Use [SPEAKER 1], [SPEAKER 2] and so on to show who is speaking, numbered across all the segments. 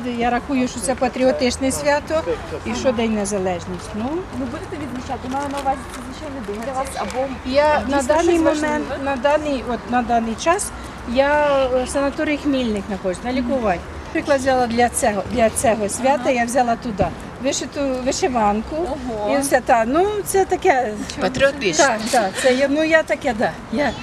[SPEAKER 1] я рахую, що це патріотичне свято і що День Незалежності. Ну,
[SPEAKER 2] Ви будете відзначати? Маю на увазі, це звичайний день для вас або
[SPEAKER 1] я на
[SPEAKER 2] дійсно
[SPEAKER 1] даний
[SPEAKER 2] щось
[SPEAKER 1] момент,
[SPEAKER 2] важливе?
[SPEAKER 1] на даний час я в санаторії Хмільник знаходжусь на лікуванні. Наприклад, взяла для цього свята, я взяла туди вишиту вишиванку.
[SPEAKER 2] Ого.
[SPEAKER 1] І все так. Ну, це таке
[SPEAKER 3] Патріотично.
[SPEAKER 1] Так, це я таке, да.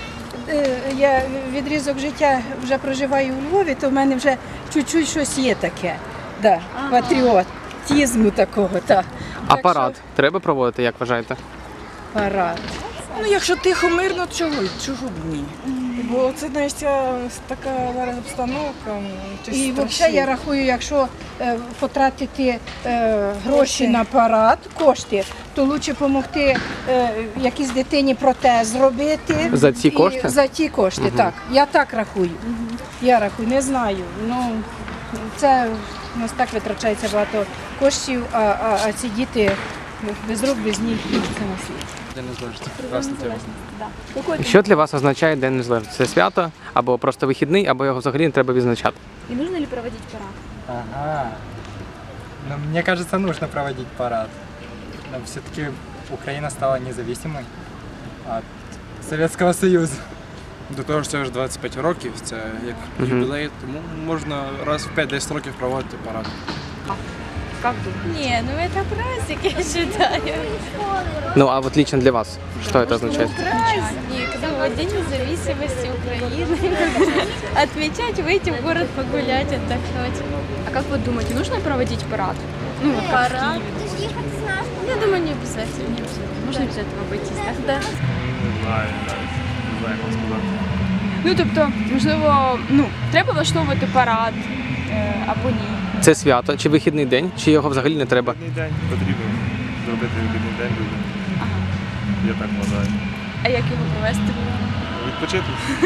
[SPEAKER 1] Я відрізок життя вже проживаю у Львові, то в мене вже чуть-чуть щось є таке. Да, патріотизму такого, так.
[SPEAKER 4] А парад треба проводити, як вважаєте?
[SPEAKER 1] Парад.
[SPEAKER 3] Ну, якщо тихо, мирно, чого б ні?
[SPEAKER 5] Бо це знаєш, така зараз обстановка.
[SPEAKER 1] І взагалі я рахую, якщо потратити гроші на парад, кошти, то краще допомогти якійсь дитині протез зробити.
[SPEAKER 4] За ці кошти?
[SPEAKER 1] За ті кошти, так. Я так рахую. Я рахую, не знаю. Ну, це у нас так витрачається багато коштів, а ці діти без рук, без ніг, це на світ.
[SPEAKER 4] День Незалежності. Прекрасна тема.
[SPEAKER 2] Какой
[SPEAKER 4] Що для вас означає День Незалежності? Це свято, або просто вихідний, або його взагалі не треба відзначати?
[SPEAKER 2] И нужно ли проводить парад?
[SPEAKER 6] Ага. Ну, мне кажется, нужно проводить парад. Но все-таки Украина стала независимой от Советского Союза.
[SPEAKER 7] До того ж це вже 25 років, це як юбілей, тому можна раз в 5-10 років проводити парад.
[SPEAKER 2] Как думаете?
[SPEAKER 8] Не, ну это праздник, я считаю.
[SPEAKER 4] Ну, а вот лично для вас, что это означает?
[SPEAKER 8] Праздник, ну вот День независимости Украины. Отмечать, выйти в город погулять, отдохнуть.
[SPEAKER 2] А как вы думаете, нужно проводить парад? Ну, вот как в
[SPEAKER 8] Парад?
[SPEAKER 2] Киеве.
[SPEAKER 8] Я думаю, не обязательно.
[SPEAKER 2] Можно без этого обойтись, так?
[SPEAKER 8] Да.
[SPEAKER 7] Не знаю як сказати.
[SPEAKER 2] Ну, тобто, можливо, треба влаштовувати парад або ні.
[SPEAKER 4] Це свято чи вихідний день, чи його взагалі не треба?
[SPEAKER 7] Вихідний день потрібно зробити вихідний день людям. Я так вважаю.
[SPEAKER 2] А як його провести?
[SPEAKER 7] Відпочити?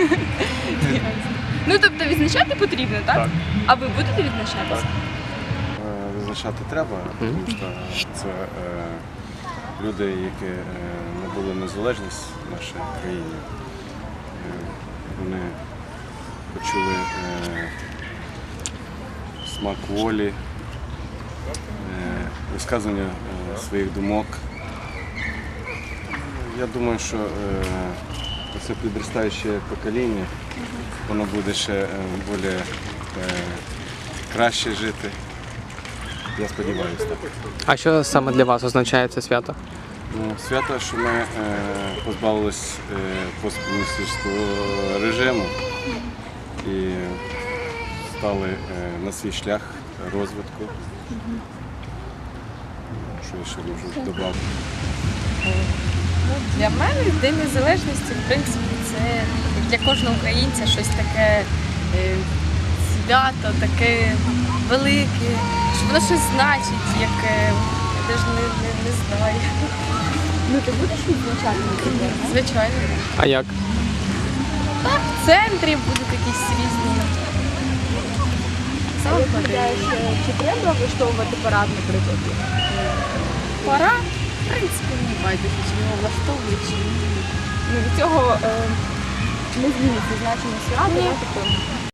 [SPEAKER 2] Ну, тобто, відзначати потрібно, так?
[SPEAKER 7] Так.
[SPEAKER 2] А ви будете відзначатися?
[SPEAKER 9] Визначати треба, тому що це люди, які набули незалежність в нашій країні. Вони почули смак волі, висказування своїх думок. Я думаю, що це підростаюче покоління, воно буде ще більш краще жити. Я сподіваюся так.
[SPEAKER 4] А що саме для вас означає це свято?
[SPEAKER 9] Ну, свято, що ми позбавились посткомуністичного режиму і стали на свій шлях розвитку. Що я ще можу додати?
[SPEAKER 8] Для мене День Незалежності, в принципі, це для кожного українця щось таке свято, таке велике, що воно щось значить, яке я навіть не знаю.
[SPEAKER 2] Ну, ти будеш відзначати, наприклад?
[SPEAKER 8] Звичайно.
[SPEAKER 4] А як?
[SPEAKER 8] Так, в центрі будуть якісь різні.
[SPEAKER 2] А як гадаєш, чи треба влаштовувати парад, наприклад?
[SPEAKER 8] Пора, в принципі, не байдуже, чи його влаштовують, чи ні.
[SPEAKER 2] Ну, від цього не зміниться значення свята, тобто